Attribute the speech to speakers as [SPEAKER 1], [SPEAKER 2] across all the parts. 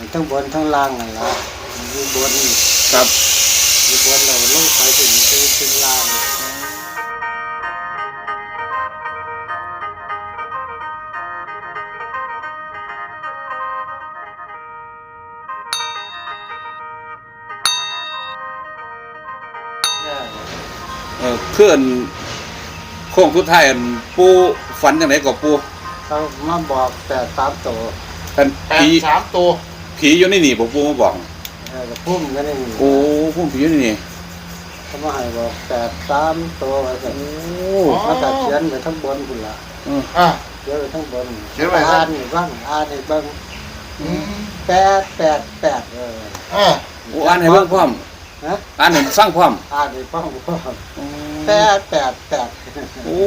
[SPEAKER 1] ทั้งบนทั้งล่างนั่นละอยู่บน
[SPEAKER 2] ครับ
[SPEAKER 1] อยู่บนเราลงไปถึงเป็นล่าง
[SPEAKER 2] เพื่อนโค้งสุดท้ายปูฝันยังไงกับปู
[SPEAKER 1] เขามาบอกแต่3 ตัว
[SPEAKER 2] เป็นผี
[SPEAKER 3] 3 ตัว
[SPEAKER 2] ผีอยู่ในนี่ผมปูมาบอก
[SPEAKER 1] พุ่มก็ได้
[SPEAKER 2] โอ้พุ่มผีอยู่ในนี่
[SPEAKER 1] เขามาให้บอกแต่3 ตัวโอ้มาตัดเขียนไปทั้งบนคุณละเขียนไปทั้งบนอ่านนี่บ้างอ่านนี่บ้าง888
[SPEAKER 2] โอ้อ่านให้เบิ่งพร้อมอ่านให้ฟังพร้อม
[SPEAKER 1] อ่านให้ฟังพร้อม888
[SPEAKER 2] โอ้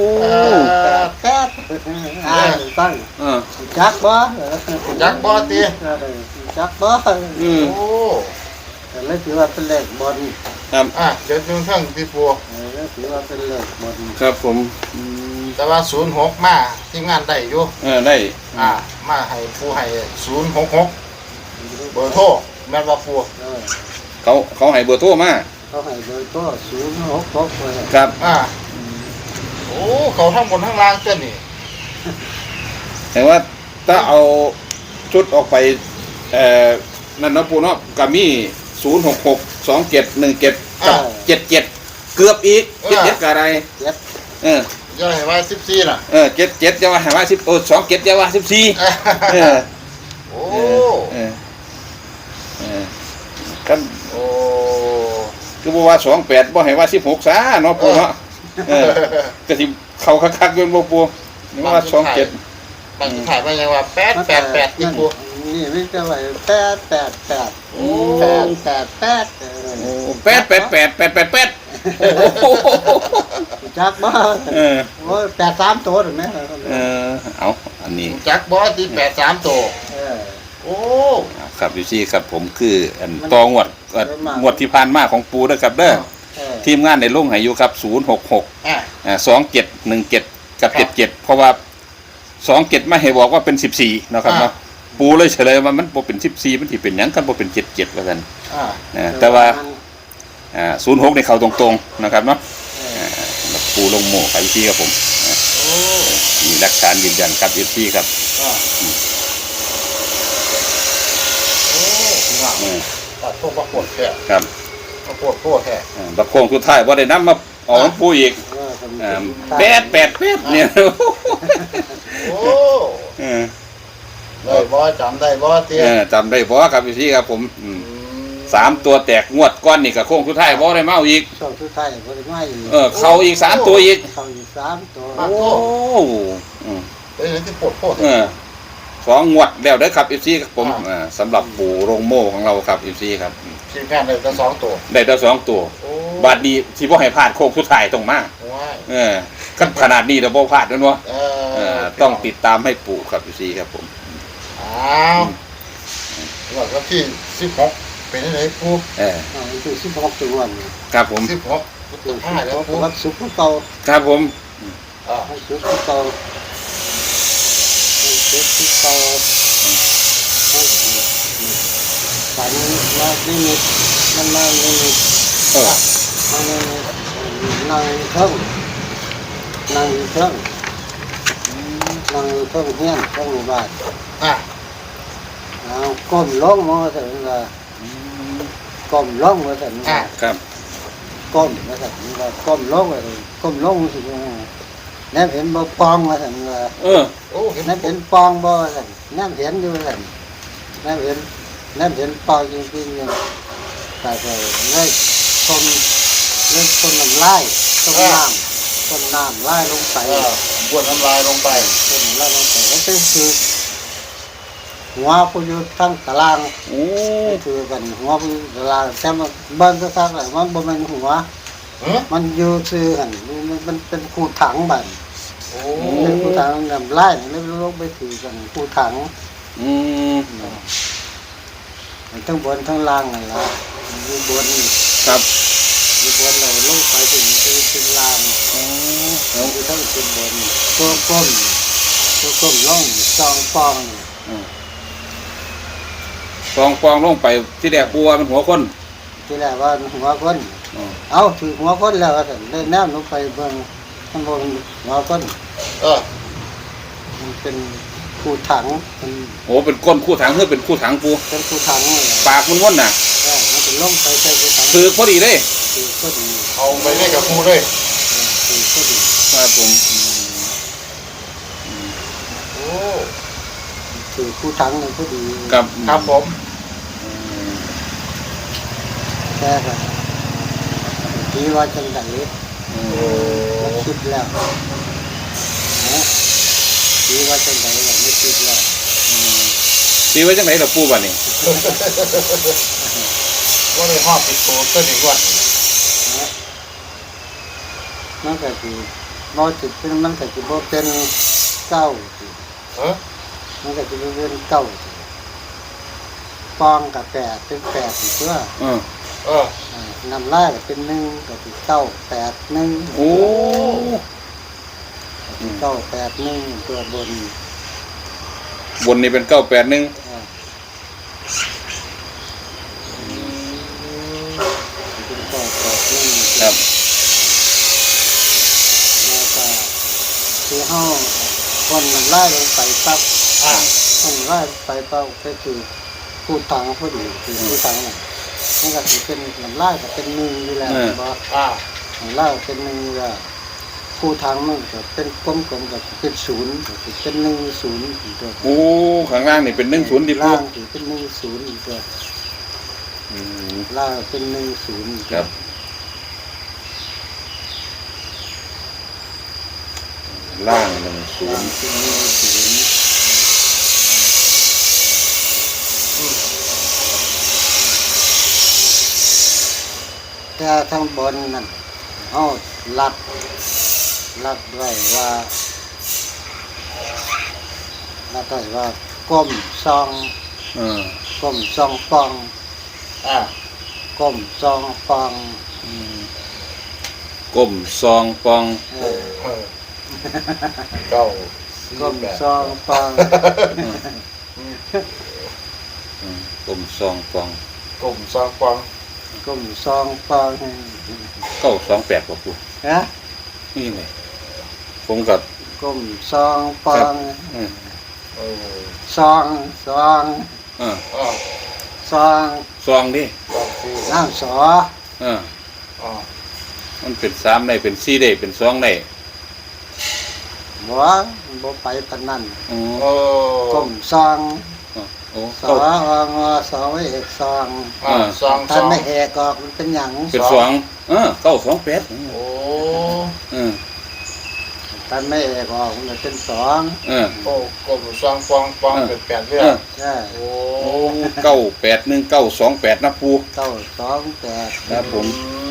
[SPEAKER 1] 8อ่านให้ฟังจักบ่
[SPEAKER 3] ติ
[SPEAKER 1] จักบ่
[SPEAKER 3] โอ้
[SPEAKER 1] แต่เลยถือว่าเป็นเลขบน
[SPEAKER 2] ครับ
[SPEAKER 3] เดี๋ยวดูทั้งที่ปู
[SPEAKER 1] แล้วถือว่าเป็นเลขบน
[SPEAKER 2] ครับผม
[SPEAKER 3] แต่ว่า06มาทีมงานได้อยู่
[SPEAKER 2] ได้
[SPEAKER 3] มาให้ปูให้066เบอร์โทรแม่นว่าปู
[SPEAKER 2] เขาให้เบอร์โทรมา
[SPEAKER 1] เขาให้เบอร์โทร066เลย
[SPEAKER 2] ครับ
[SPEAKER 3] โอ้เขาทั้งบนทั้งล่างเจ้านี่
[SPEAKER 2] แต่ว่าถ้าเอาชุดออกไปนั่นนะปูเนาะก็มี066 2717กับ77เกือบอีก77กับอะไร
[SPEAKER 3] ย่าให้ว่า14น่ะ
[SPEAKER 2] 77จะว่าให้ว่า10 27จะว่า14
[SPEAKER 3] โอ้
[SPEAKER 2] กัน
[SPEAKER 3] โอ้
[SPEAKER 2] คือบ่ว่า28บ่ให้ว่า16ซะเนาะปูเนาะก็สิเข้าคักๆอยู่บ่ปูนี่ว่า27
[SPEAKER 3] บางทีถ่ายมายังว่า888ที่ปู
[SPEAKER 1] นี่ไม่จะไหว888โอ้
[SPEAKER 2] 888
[SPEAKER 1] จักบ่โอ้83ตัวถูกมั้ย
[SPEAKER 2] เอาอันนี้
[SPEAKER 3] จักบ่ที่83ตัวโอ้
[SPEAKER 2] ครับพี่ซี่ครับผมคืออันตองวดที่ผ่านมาของปูนะครับเด้อทีมงานในลงให้อยู่ครับ066 2717กับ77เพราะว่า27ไม่ให้บอกว่าเป็น14นะครับเนาะปูเลยเฉลยว่ามันบ่เป็น14มันสิเป็นหยังกันบ่เป็น77ว่าซั่นแต่ว่า06ในเขาตรงๆนะครับเนาะปูลงโม่ครับพี่ครับผมมีหลักฐานยืนยันครับพี่ครับ
[SPEAKER 3] ตัดพวกประกวดแท้
[SPEAKER 2] ครับ
[SPEAKER 3] ประกวดโคตรแท้
[SPEAKER 2] บักโค้งสุดท้ายบ่ได้นำมาเอาปูอีก888เนี่ย
[SPEAKER 3] โอ้ได้บ่จำได้บ่เตี้ย
[SPEAKER 2] จำได้บ่ครับพี่ครับผม3ตัวแตกงวดก้อนนี่กับโค้งสุดท้ายบ่ได้มาเอาอีก
[SPEAKER 1] ช่วงสุดท้ายบ่ได้มาอีก
[SPEAKER 2] เข้าอีก3ตัวอีก
[SPEAKER 1] เข้าอีก3ตัว
[SPEAKER 2] โอ้
[SPEAKER 3] เป็นที่ปวดโคตร
[SPEAKER 2] 2งวดแล้วเด้อครับ FC ครับผมสำหรับปู่โรงโม่ของเราครับ FC ครับ
[SPEAKER 3] ทีมงานได้แต่2ตัว
[SPEAKER 2] ได้แต่2ตัวบาดนี้สิบ่ให้พลาดโค้งสุดท้ายต้องมาขนาดนี้แล้วบ่พลาดแล้วเนาะต้องติดตามให้ปู่ครับ FC ครับผม
[SPEAKER 3] แล้วก็ที่16เป็นจังได๋ปู่
[SPEAKER 1] ที่16จังหวัด
[SPEAKER 2] ครับผม
[SPEAKER 3] 16ตัวท้ายแล้วปู่
[SPEAKER 1] วัดสุขเก่า
[SPEAKER 2] ครับผม
[SPEAKER 1] สุขเก่าสุขเก่าฝันมานิมิตมันมานิมิตนั่งเทิงเฮียนเทิงบ้านก้มลงมาถึงว่าก้มลงมาถึง
[SPEAKER 2] ครับ
[SPEAKER 1] ก้มมาถึงว่าก้มลงเลยก้มลงสินั่นเห็นบ่ปองมาถึงว่านั่นเห็นปองบ่ถึงนั่นเห็นอยู่ถึงนั่นเห็นปองจริงๆอยู่แต่เลยคนน้ำลายต้นน้ำลายลงไป
[SPEAKER 3] บ้วนน้ำลายลงไป
[SPEAKER 1] ต้นลายลงไปแล้วก็คือหัวผู้อยู่ทั้งตารางคือกันหัวผู้ตารางแต่มันบ้านก็ทั้งเลยมันบ่แม่นหัวมันอยู่ซื่อกันมันเป็นคูถังบัดเป็นคูถังน้ำลายแล้วลงไปถือกันคูถังทั้งบนทั้งล่างนั่นล่ะอยู่บน
[SPEAKER 2] ครับ
[SPEAKER 1] อยู่บนเราลงไปถึงเป็นล่างอยู่ทั้งเป็นบนตัวก้มล่องซองปอง
[SPEAKER 2] ฟองฟองลงไปที่แรกปูว่ามันหัวคน
[SPEAKER 1] ที่แรกว่าหัวคน
[SPEAKER 2] อ๋อ
[SPEAKER 1] เอาถือหัวคนแล้วว่าซั่นได้แนวหนูไปเบิ่งมันบ่เป็นหัวคน
[SPEAKER 3] เออ
[SPEAKER 1] มันเป็นคู่ถังมัน
[SPEAKER 2] โอ้เป็นก้นคู่ถังเพื่อเป็นคู่ถังปู
[SPEAKER 1] เป็นคู่ถังเลย
[SPEAKER 2] ปากมันว่นน่ะ
[SPEAKER 1] มันเป็นลงไปใส่คู่ถัง
[SPEAKER 2] ถือพอดีเลย
[SPEAKER 1] ถือก็ดี
[SPEAKER 3] เอาไปได้กับปูเลย
[SPEAKER 1] ถือก็ดี
[SPEAKER 2] ครับผม
[SPEAKER 3] โอ้
[SPEAKER 1] ถือคู่ถังมันก็ดี
[SPEAKER 2] กับ
[SPEAKER 3] ครับผม
[SPEAKER 1] แค่ก็ดีว่าจังได๋
[SPEAKER 2] อืม
[SPEAKER 1] มันคิดแล้วนะดีว่าจังได๋ก็ไม่คิดแล้ว
[SPEAKER 2] ตีไว้จังไหนล่ะปูบ้านนี่
[SPEAKER 3] ว่าได้ห้อปิดโตต้นอีกวัน
[SPEAKER 1] นะมันก็สิบ่สิเป็นมันก็สิบ่เป็นเก้าสิ
[SPEAKER 3] เออ
[SPEAKER 1] มันก็สิบ่เป็นเก้าสิฟองกับแปดเป็นแปดอีกตัว
[SPEAKER 2] เออ
[SPEAKER 3] เออ
[SPEAKER 1] น้ำลายก็เป็นหนึ่งก็สิเก้าแปดหนึ่ง
[SPEAKER 2] โอ้
[SPEAKER 1] เก้าแปดหนึ่งตัวบน
[SPEAKER 2] บนนี่เป็น981
[SPEAKER 1] เป็นเก้าแปดหนึ่ง
[SPEAKER 2] ครับ
[SPEAKER 1] แล้วก็คือห้าคนน้ำลายลงไปปั๊บ
[SPEAKER 3] อ่า
[SPEAKER 1] คนน้ำลายไปปั๊บก็คือผู้ตังผู้ดีคือผู้ตังน่ะมันก็คือเป็นน้ำลายก็เป็นหนึ่งอยู่แล้วบ่
[SPEAKER 3] อ่า
[SPEAKER 1] น้ำลายเป็นหนึ่งแล้วผู้ทางมันก็เป็นกลมๆก็เป็นศูนย์ก็คือเป็นหนึ่งศูนย์อีกตัว
[SPEAKER 2] โอ้ข้างล่างนี่เป็น10ดิปู
[SPEAKER 1] ล่างคือเป็นหนึ่งศูนย์อีกตัว
[SPEAKER 2] อืม
[SPEAKER 1] ล่างเป็นหนึ่งศูนย์อีกตัว
[SPEAKER 2] ครับล่าง10
[SPEAKER 1] ล่างเป็นหนึ่งศูนย์แต่ทางบนนั่นเอาลัดไว้ว่าลัดไว้ว่าก้มซอง
[SPEAKER 2] เออ
[SPEAKER 1] ก้มซองปอง
[SPEAKER 3] อ่า
[SPEAKER 1] ก้มซองปอง
[SPEAKER 2] ก้มซองปอง
[SPEAKER 1] เออ
[SPEAKER 3] เออเก้าสี่
[SPEAKER 1] ก้ม
[SPEAKER 3] แปด
[SPEAKER 1] ซองปอง
[SPEAKER 2] ก้มซองปอง
[SPEAKER 3] กลุ่มซองกวาง
[SPEAKER 1] ก้มซองปอง
[SPEAKER 2] 928บ่ปู
[SPEAKER 1] ฮะ
[SPEAKER 2] นี่ไงผมกับ
[SPEAKER 1] ก้มซองปอง
[SPEAKER 2] เออ
[SPEAKER 3] เออ
[SPEAKER 1] ซอง
[SPEAKER 2] เออ
[SPEAKER 3] อ่า
[SPEAKER 1] ซอง
[SPEAKER 2] ซองดิ
[SPEAKER 3] กองสี่
[SPEAKER 1] น้ำสอ
[SPEAKER 2] เออ
[SPEAKER 3] อ่า
[SPEAKER 2] มันเป็น3ได้เป็น4ได้เป็น2ได้
[SPEAKER 1] หัวบ่ไปปานนั้น
[SPEAKER 2] อ๋อ
[SPEAKER 3] โอ้
[SPEAKER 1] ก้มซอง
[SPEAKER 2] โอ้
[SPEAKER 1] สอ
[SPEAKER 2] เก้า
[SPEAKER 1] งอสอเอกซอง
[SPEAKER 3] อ่าซอง
[SPEAKER 1] ถ้าไม่เอกออกมันเป็นหยัง
[SPEAKER 2] เป็น2928
[SPEAKER 3] โอ้
[SPEAKER 2] เออ
[SPEAKER 1] ถ้าไม่เอกออกมันก็เป็นสอง
[SPEAKER 2] เออ
[SPEAKER 3] โอ้กลุ่มซองกวางกวางเป็นแปดเรื่อ
[SPEAKER 2] เอง อ
[SPEAKER 1] ใช่
[SPEAKER 3] โอ้
[SPEAKER 2] โอ้981 928นะปู
[SPEAKER 1] เก้าสองแปด
[SPEAKER 2] ครับผม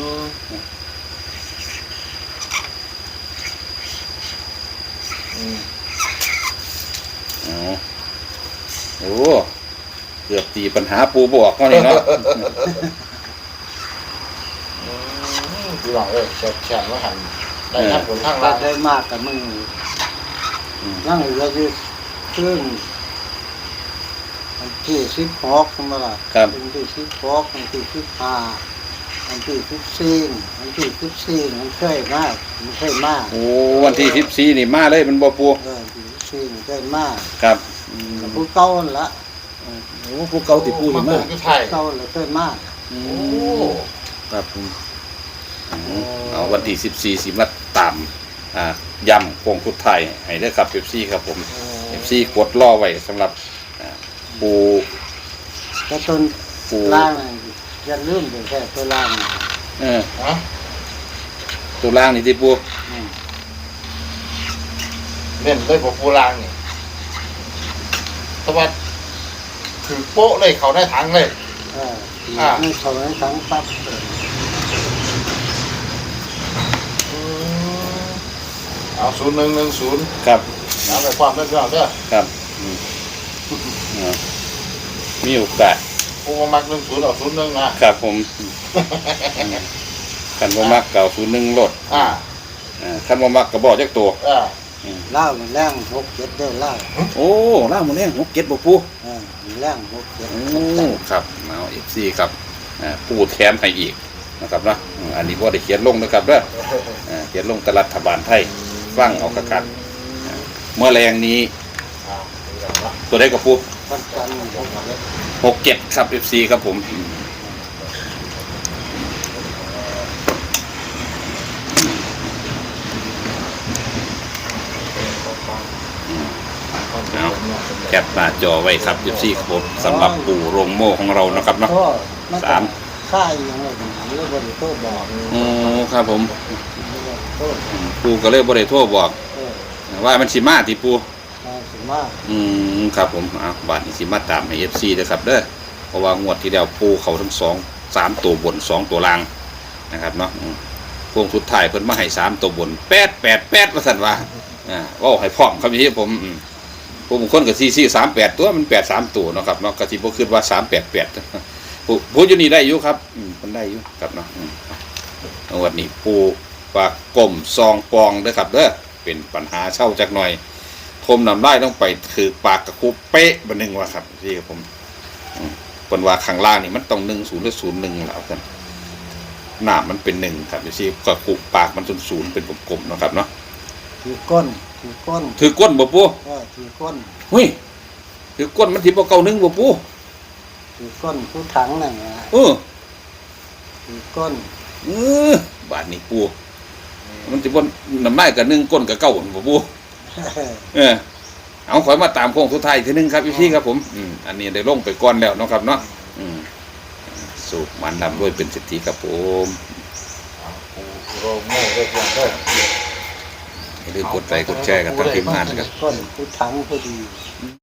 [SPEAKER 3] อืม
[SPEAKER 2] อ๋อโอ้เกือบตีปัญหาปูบอกก็นี่เนาะ
[SPEAKER 3] พี่หลังเลยแฉะว่าหันได้ทั้งบนทั้งล่าง
[SPEAKER 1] ได้มากกับมึงนั่งเหลือที่ครึ่งวันที่16มาละ
[SPEAKER 2] ครับ
[SPEAKER 1] วันที่16วันที่15วันที่14วันที่14มันเคยมากมันเคยมาก
[SPEAKER 2] โอ้วันที่14นี่มาเลยมันบ่ปู
[SPEAKER 1] ที่14มันเคยมาก
[SPEAKER 2] ครับ
[SPEAKER 1] ผู้เก่าหั่นละ
[SPEAKER 2] โอ้พวกเก่าติปู
[SPEAKER 3] มา
[SPEAKER 2] นี่
[SPEAKER 3] ตร
[SPEAKER 2] มาง
[SPEAKER 3] คือไทย
[SPEAKER 1] เก่าเลยเคยมาก
[SPEAKER 2] โอ้
[SPEAKER 3] โอ้
[SPEAKER 2] ครับผมเอาวันที่14สิมาตามย่ำโค้งสุดท้ายให้เด้อครับFCครับผม FC กดรอไว้สำหรับปู
[SPEAKER 1] แต่ต้น
[SPEAKER 2] ปู
[SPEAKER 1] ล่างน่ะอย่าลืมเดี๋ยวแค่ตัวล่างน่ะ
[SPEAKER 2] เออ
[SPEAKER 3] ฮะ
[SPEAKER 2] ตัวล่างนี่ที่ปู
[SPEAKER 1] อืม
[SPEAKER 3] เล่นเลยผมปูรางนี่สวัสดถือโป๊ะเลยเขาได้ถังเลย
[SPEAKER 1] นี่เขาให้ทั้งปั๊บ
[SPEAKER 3] เอา0110
[SPEAKER 2] ครับ
[SPEAKER 3] เอาไปความได้เรื่องเด้อ
[SPEAKER 2] ครับมีโอกาส
[SPEAKER 3] ปูมามัก10เอา01นะครับ
[SPEAKER 2] ผมคันบ่มักเก่า01รถ
[SPEAKER 3] อ่า
[SPEAKER 2] คันบ่มักก็บอกจักตัว
[SPEAKER 3] อ่า
[SPEAKER 1] เล่ามันแรง6-7เด้อเล่า
[SPEAKER 2] โอ้ล่าหมูแดง6 7บ่ปู
[SPEAKER 1] มันแรง6-7
[SPEAKER 2] โอ้ครับเอา FC ครับปูแถมให้อีกนะครับนะอันนี้บ่ได้เขียนลงนะครับเด้อเขียนลงกับรัฐบาลไทยฟังเอากันเมื่อแรงนี้ตัวได้กับปู
[SPEAKER 1] วันจันทร์ผมก็เลย
[SPEAKER 2] 67ครับ FC ครับผมเอาแคปหน้าจอไว้ครับ FC ครับผมสำหรับปู่โรงโม่ของเรานะครับเนาะ
[SPEAKER 1] สามค่ายยังไงผมเรียกว่าโทษบอก
[SPEAKER 2] โอ้ครับผม
[SPEAKER 1] โทษ
[SPEAKER 2] ปู่ก็เลยบ่ได้โทรบอก ว่ามันสิมาที่ปู่
[SPEAKER 1] ถึงมาก
[SPEAKER 2] ครับผมบาทนี้สิมาตามให้ FC เด้อครับเด้อเพราะว่างวดที่แล้วปู่เขาทั้ง3ตัวบน2ตัวล่างนะครับเนาะพวงสุดท้ายเพิ่นมาให้3ตัวบน888ว่าซั่นว่าเว้าให้พร้อมครับพี่ผมผู้บางคนก็4438ตัวมัน83ตัวเนาะครับเนาะก็สิบ่คิดว่า388ผู้อยู่นี่ได้อยู่ครับเพิ่นได้อยู่ครับเนาะงวดนี้ปู่ฝากก้มซองปองเด้อครับเด้อเป็นปัญหาเช่าจักหน่อยทมน้ำลายต้องไปถือปากกระคุบเป๊ะบันหนึ่งว่าครับที่ผมเป็นว่าข้างล่างนี่มันต้อง10หรือ01แล้วกันหน้ามันเป็น1ครับที่กระคุบปากมัน0เป็นกลมๆนะครับเนาะ
[SPEAKER 1] ถือก้น
[SPEAKER 2] ถือก้นบ่ปู
[SPEAKER 1] ถือก้น
[SPEAKER 2] หุ้ยถือก้นมันที่บ่เก่า1บ่ปู
[SPEAKER 1] ถือก้นผู้ถังนั่นนะถือก้น
[SPEAKER 2] บาดนี้ปูมันสิบ่น้ำลายกับ1ก้นกับเก่าบ่ปูเอาขอมาตามโค้งสุดท้ายทีนึงครับพี่ครับผมอันนี้ได้ลงไปก่อนแล้วเนาะครับเนาะสูบมันนำด้วยเป็นสิทธิครับผม
[SPEAKER 3] โรงโม่เรียบร้อยเด้อ
[SPEAKER 2] อย่าลืมกดไลค์กดแชร์กันทางทีมงานนะครับ
[SPEAKER 1] ก้นผู้ถังพอดี